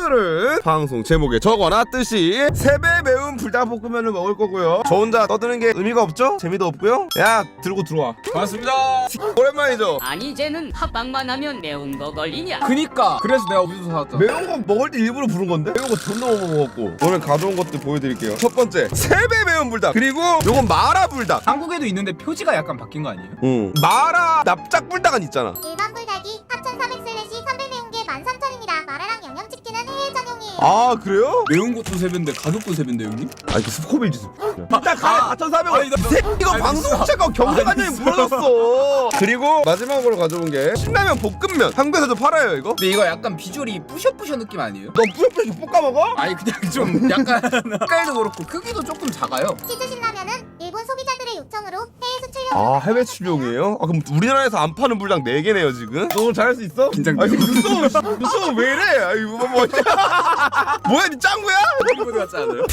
오늘은 방송 제목에 적어놨듯이 3배 매운 불닭볶음면을 먹을 거고요. 저 혼자 떠드는 게 의미가 없죠? 재미도 없고요. 야 들고 들어와. 반갑습니다. 오랜만이죠? 아니 쟤는 합방만 하면 매운 거 걸리냐? 그니까 그래서 내가 우유도 사왔잖아. 매운 거 먹을 때 일부러 부른 건데? 매운 거 존나 못 먹었고. 오늘 가져온 것들 보여드릴게요. 첫 번째 3배 매운 불닭. 그리고 요건 마라 불닭. 한국에도 있는데 표지가 약간 바뀐 거 아니에요? 응. 마라 납작 불닭은 있잖아. 일반 불닭이 4,400/3배 매운 게 13,000원입니다. 마라랑 양념치킨은 해외 전용이에요. 아 그래요? 매운 것도 3배인데 가격도 3배인데 형님? 아 이거 스코빌지 일단 가야 4,400원. 아니, 나- 이거 아니, 방송체가 경제관념이 무너졌어. 그리고 마지막으로 가져온 게 신라면 볶음면. 한국에서도 팔아요 이거? 근데 이거 약간 비주얼이 뿌셔뿌셔 느낌 아니에요? 너 뿌옇뿌옇 볶아 먹어? 아니 그냥 좀 약간 색깔도 그렇고 크기도 조금 작아요. 치즈 신라면은 일본 소비자들의 요청으로 해외 수출용. 아 해외 출용이에요? 아 그럼 우리나라에서 안 파는 불닭 4개네요 지금? 너 오늘 잘할 수 있어? 긴장돼요. 아니 눈썹 왜 이래? 아이 뭐 뭐야 니 짱구야? 이거 같지 않아요?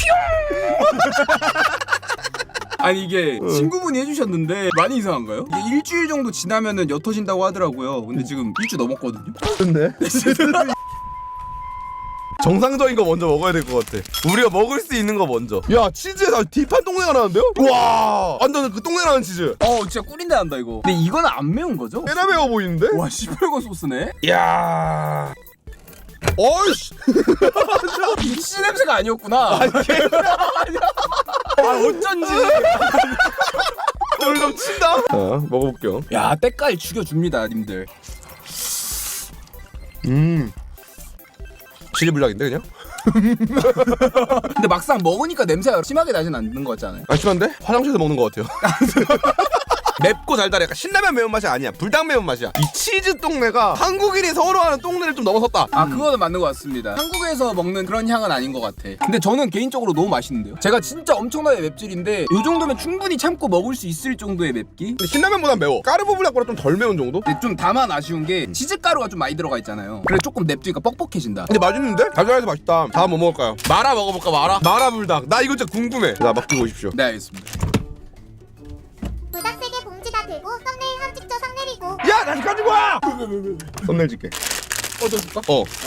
아니 이게 친구분이 해주셨는데 많이 이상한가요? 이게 일주일 정도 지나면은 옅어진다고 하더라고요. 근데 지금 일주일 넘었거든요. 좋네. 정상적인 거 먼저 먹어야 될 것 같아. 우리가 먹을 수 있는 거 먼저. 야 치즈에서 딥한 똥내가 나는데요? 와 완전 그 똥내 나는 치즈. 진짜 꿀인데 한다 이거. 근데 이거는 안 매운 거죠? 꽤나 매워 보이는데? 와 시뻘건 소스네? 야 어이씨. 씨 냄새가 아니었구나. 어쩐지. 오늘 좀 친다. 자 먹어볼게요. 야 때깔 죽여줍니다 님들. 치즈 불닭인데 그냥? 근데 막상 먹으니까 냄새가 심하게 나진 않는 거 같잖아요. 아 심한데? 화장실에서 먹는 것 같아요. 맵고 달달해. 약간 신라면 매운맛이 아니야. 불닭 매운맛이야. 이 치즈 똥내가 한국인이 선호하는 똥내를 좀 넘어섰다. 그거는 맞는 것 같습니다. 한국에서 먹는 그런 향은 아닌 것 같아. 근데 저는 개인적으로 너무 맛있는데요. 제가 진짜 엄청나게 맵찔인데 이 정도면 충분히 참고 먹을 수 있을 정도의 맵기? 근데 신라면보단 매워. 까르보 불닭보다 좀 덜 매운 정도? 근데 좀 다만 아쉬운 게 치즈가루가 좀 많이 들어가 있잖아요. 그래서 조금 냅두니까 뻑뻑해진다. 근데 맛있는데? 달달해서 맛있다. 다음 뭐 먹을까요? 마라 먹어볼까 마라? 마라 불닭. 나 이거 진짜 궁금해. 자 맡기고 오십시오. 네 알겠습니다. 불닭 3개 봉지 다 들고 썸네일 한 찍죠 상 내리고. 야 다시 가지고 와! 썸네일 찍게. 꺼져줄까?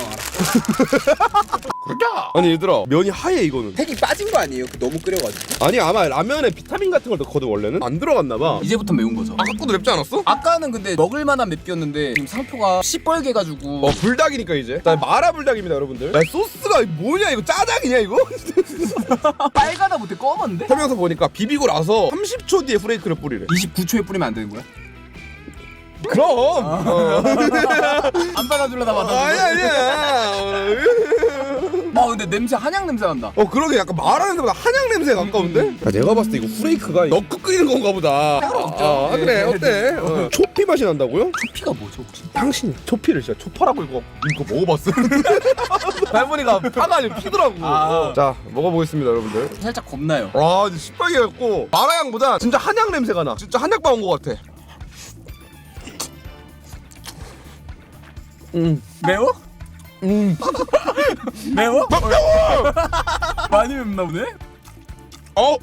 그러자. 아니 얘들아 면이 하얘 이거는. 색이 빠진 거 아니에요? 너무 끓여가지고. 아니 아마 라면에 비타민 같은 걸 넣거든 원래는. 안 들어갔나봐. 이제부터 매운 거죠. 아까 것도 맵지 않았어? 아까는 근데 먹을 만한 맵기였는데 지금 상표가 시뻘게 가지고 불닭이니까 이제. 자 마라 불닭입니다 여러분들. 야 소스가 뭐냐 이거 짜장이냐 이거? 빨가다 못해 검은데? 설명서 보니까 비비고 나서 30초 뒤에 프레이크를 뿌리래. 29초에 뿌리면 안 되는 거야? 그럼. 안 받아줄라다 아니야. 근데 냄새 한약 냄새 난다. 그러게 약간 말하는 냄새보다 한약 냄새에 가까운데? 내가 봤을 때 이거 후레이크가 넣고 끓이는 건가 보다. 그래 어때? 초피 맛이 난다고요? 피가 뭐죠 혹시? 당신 초피를 진짜 초파라고 이거 먹어봤어? 할머니가 파가 아니고 피더라고. 자 먹어보겠습니다 여러분들. 살짝 겁나요. 와 이제 시뻘게 갖고 마라향보다 진짜 한약 냄새가 나. 진짜 한약방 온 것 같아. 매워? 매워? 매워! 많이 맵나 보네? 매워!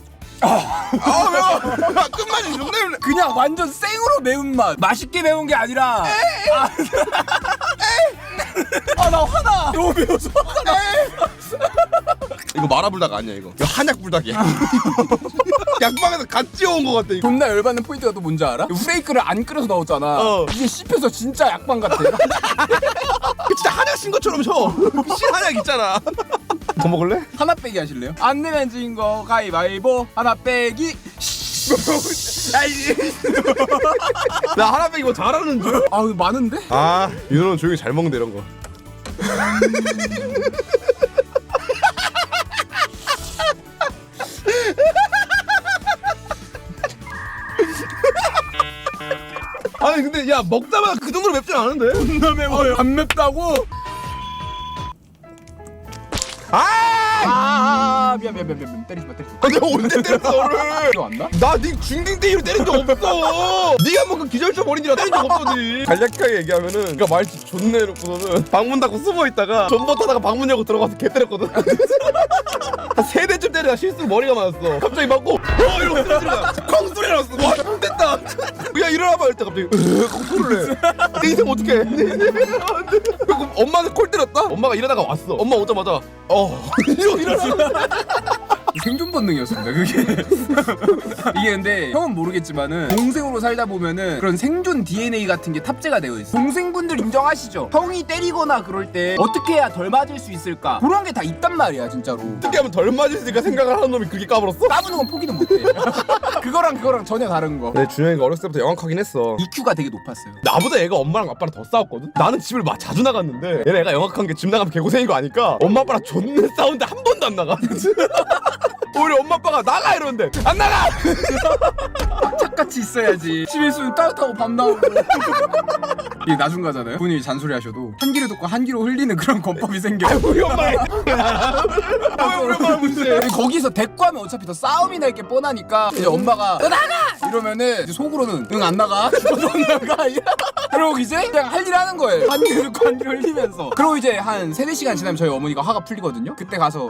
끝맛이 존나 맵네. 그냥 완전 생으로 매운맛. 맛있게 매운 게 아니라 나 화나. 너무 매워서 화나. 이거 마라불닭 아니야 이거 한약불닭이야. 약방에서 갓 지어온 것 같아 이거. 존나 열받는 포인트가 또 뭔지 알아? 후레이크를 안 끓여서 넣었잖아. 이게 씹혀서 진짜 약방 같아. 진짜 한약 신 것처럼 셔. 신한약 있잖아. 더 먹을래? 하나 빼기 하실래요? 안 내면 진 거 가위바위보. 하나 빼기. 나 하나 빼기 이거 잘하는 줄? 이거 많은데? 윤호는 조용히 잘 먹는데 이런 거. 아니 근데 야 먹다가 그 정도로 맵진 않은데? 존나 매워요. 안 맵다고? 미안 때리지 마. 내가 언제 때렸어 너를? 기억 안 나? 나네 중딩 때 이후로 때린 적 없어. 네가 뭐 그 기절초 버린이라 때린 적 없어 니. 간략하게 얘기하면은 그니까 말투 존나 해놓고서는 방문 닫고 숨어있다가 전봇 타다가 방문 열고 들어가서 개 때렸거든. 한 3대쯤 때리다 실수로 머리가 맞았어. 갑자기 맞고 이러고 쓰러지는 거야. 콩 소리 났어. 와 됐다. 야 일어나봐 할 때 갑자기 콩 소리를 내. 내 인생 어떡해. 그럼 엄마는 콜 때렸다. 엄마가 일하다가 왔어. 엄마 오자마자 이러고 일어나. 생존 본능이었습니다 그게. 이게 근데 형은 모르겠지만은 동생으로 살다 보면은 그런 생존 DNA 같은 게 탑재가 되어 있어. 동생분들 인정하시죠? 형이 때리거나 그럴 때 어떻게 해야 덜 맞을 수 있을까? 그런 게 다 있단 말이야 진짜로. 어떻게 하면 덜 맞을까 생각을 하는 놈이 그렇게 까불었어? 까부는 건 포기는 못해. 그거랑 전혀 다른 거. 네, 준영이가 어렸을 때부터 영악하긴 했어. EQ가 되게 높았어요. 나보다 얘가 엄마랑 아빠랑 더 싸웠거든? 나는 집을 막 자주 나갔는데 얘는 애가 영악한 게 집 나가면 개고생인 거 아니까 엄마 아빠랑 존나 싸우는데 한 번도 안 나가. 우리 엄마 아빠가 나가 이러는데 안 나가! 착같이 있어야지. 집에 있으면 따뜻하고 밥 나오고. 이게 나중 가잖아요. 부모님이 잔소리 하셔도 한 귀로 듣고 한 귀로 흘리는 그런 권법이 생겨. 우리 엄마의 우리 엄마 문제. 거기서 대꾸하면 어차피 더 싸움이 날 게 뻔하니까 이제 엄마가 너 나가! 이러면은 이제 속으로는 응 안 나가? 죽어도 안 나가? 그러고 이제 그냥 할 일 하는 거예요. 한 귀로 듣고 한 귀로 흘리면서. 그러고 이제 한 3-4시간 지나면 저희 어머니가 화가 풀리거든요. 그때 가서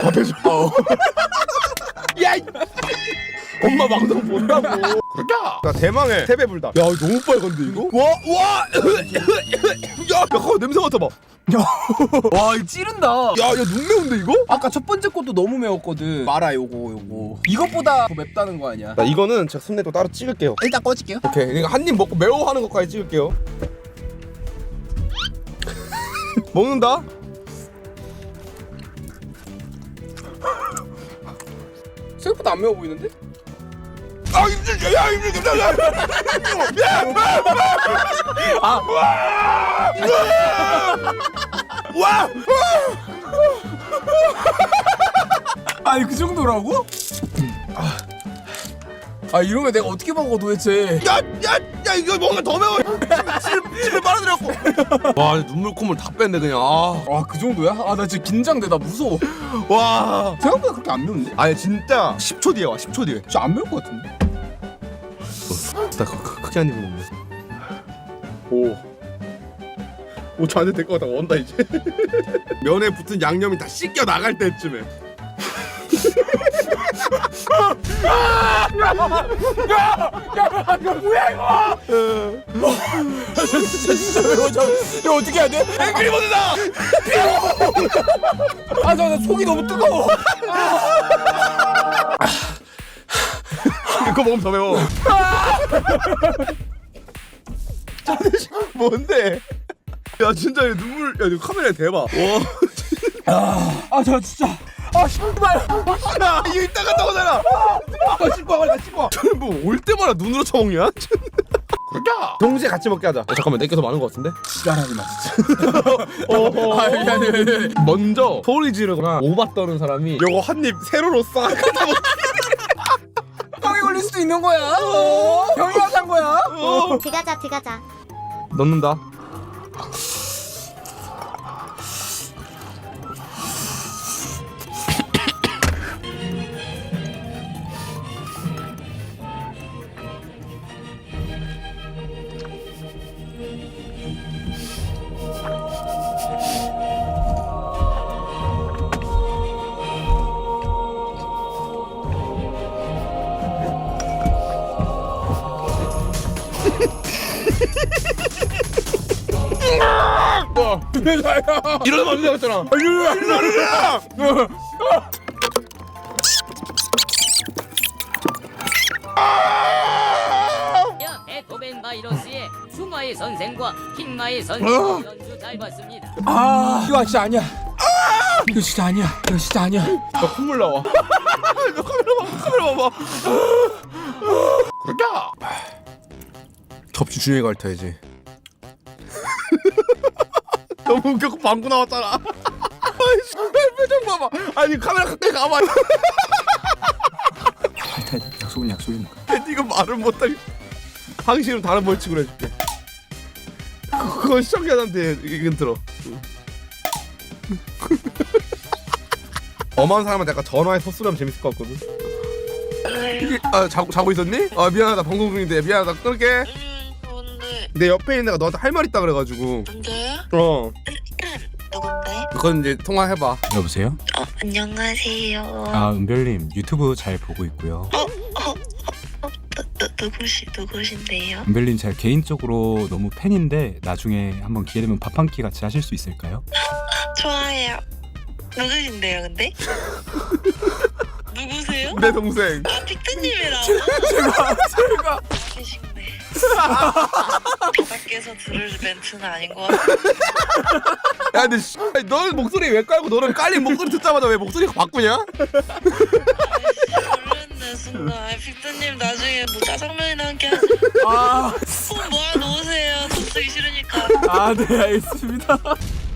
야! 엄마 방송 본다고. 그렇다. 나 대망의 세배불다. 야 너무 빨간데 이거? 와! 야 그거 냄새 맡아봐. 와 이거 찌른다. 야 눈 매운데 이거? 아까 첫 번째 것도 너무 매웠거든. 마라 요거. 이것보다 더 맵다는 거 아니야? 나 이거는 제가 순대도 따로 찍을게요. 일단 꺼질게요. 오케이. 그러니까 한 입 먹고 매워하는 것까지 찍을게요. 먹는다. 생각보다 안 매워 보이는데? 아 힘들게 야 힘들게 야 와! 아니 그 정도라고? 아 이러면 내가 어떻게 먹어 도대체? 야 이거 뭔가 더 매워. 침을 빨아들였고. 와 눈물 콧물 다 뺐네 그냥. 와 그 정도야? 아 나 진짜 긴장돼. 나 무서워. 와. 생각보다 그렇게 안 매운데? 아니 진짜 10초 뒤에 와 10초 뒤에. 진짜 안 매울 것 같은데? 나 크게 한 입 먹네. 오 저한테 될 것 같다. 온다 이제. 면에 붙은 양념이 다 씻겨 나갈 때쯤에. 이거 뭐야 이거? 진짜 매워. 이거 어떻게 해야 돼? 앵그리버드다. 아 나 속이 너무 뜨거워. 그거 먹으면 더 매워. 뭔데? 야 진짜 얘 눈물. 야 이거 카메라에 대봐. 와. 아 저 진짜. 아 씨발. 야 이거 이따 갔다 오잖아. 씻고 와 빨리 씻고 와. 저는 뭐 올 때마다 눈으로 쳐먹냐? 그러자. 동시에 같이 먹게 하자. 잠깐만 내게 더 많은 것 같은데? 지랄하지 마 진짜. 아 미안해. 먼저 소리 지르거나 오바 떠는 사람이 요거 한 입 세로로 싹 갖다 먹. 병이 걸릴 수도 있는 거야. 병이 와산 거야. 들어가자. 넣는다. 이러면 안 되겠잖아. 베토벤 바이러스의 수마의 선생과 킹마의 선생 연주 잘 봤습니다. 아 이거 진짜 아니야. 이거 진짜 아니야. 나 콧물 나와. 너 카메라 봐봐. 그러자. 접시 준영이가 핥아야지. 너무 웃겼고 방구 나왔잖아. 아이씨, 표정 봐봐. 아니 카메라 가까이 가봐. 약속이니까. 네가 말을 못하게. 당신은 다른 벌칙으로 해줄게. 그건 시청자한테 이건 들어. 엄한 사람한테 약간 전화해서 소리하면 재밌을 것 같거든. 아 자고 있었니? 아 미안하다 방송 중인데 미안하다 끊을게. 뭔데? 내 옆에 있는 애가 너한테 할 말 있다 그래가지고. 뭔데? 어. 누군데? 그건 이제 통화해봐. 여보세요? 안녕하세요. 아 은별님 유튜브 잘 보고 있고요. 누구신데요? 은별님 제가 개인적으로 너무 팬인데 나중에 한번 기회 되면 밥 한 끼 같이 하실 수 있을까요? 좋아해요. 누구신데요, 근데? 누구세요? 내 동생. 아, 픽트님이라고? 제가 계시네. 밖에서 들을 멘트는 아닌 것 같아. 야 근데 너는 목소리 왜 깔고 너는 깔린 목소리 듣자마자 왜 목소리가 바꾸냐? 모르는 순간. 픽트님 나중에 뭐 짜장면이나 함께 하자. 아, 폰 모아놓으세요. 돈 쓰기 싫으니까. 네 알겠습니다.